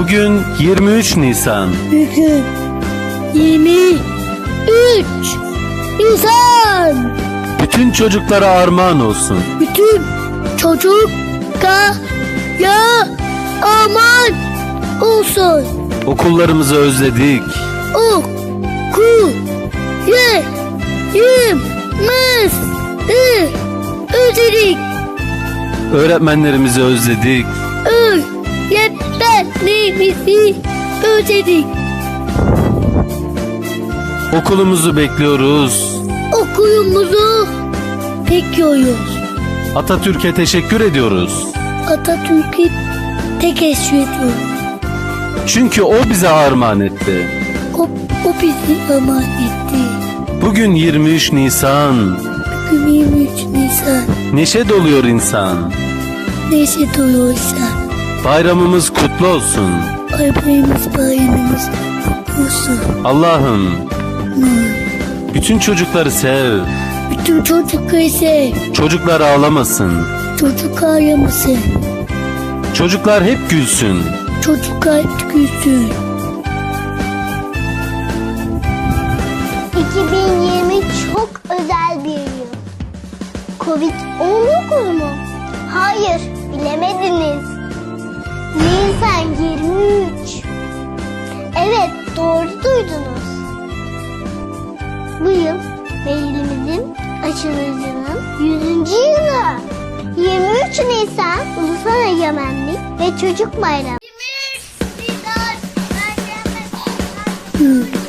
Bugün 23 Nisan. Bugün 23 Nisan. Bütün çocuklara armağan olsun. Bütün çocuklara aman olsun. Okullarımızı özledik. Okullarımızı özledik. Öğretmenlerimizi özledik. Öğretmenlerimizi özledik. Okulumuzu bekliyoruz. Okulumuzu bekliyoruz. Atatürk'e teşekkür ediyoruz. Atatürk'ü teşekkür ediyoruz. Çünkü o bize armağan etti. O bizi emanet etti. Bugün 23 Nisan. Bugün 23 Nisan. Neşe doluyor insan. Neşe doluyorsa. Bayramımız kutlu olsun. Bayramımız kutlu olsun. Allah'ım bütün çocukları sev. Bütün çocukları sev. Çocuklar ağlamasın. Çocuk ağlamasın. Çocuklar hep gülsün. Çocuklar hep gülsün. 2020 çok özel bir yıl. Covid-19 mu? Hayır, bilemediniz. Nisan 23. Evet, doğru duydunuz. Bu yıl mailimizin açılışının 100. yılı. 23 Nisan Ulusal Egemenlik ve Çocuk Bayramı. 23 Nisan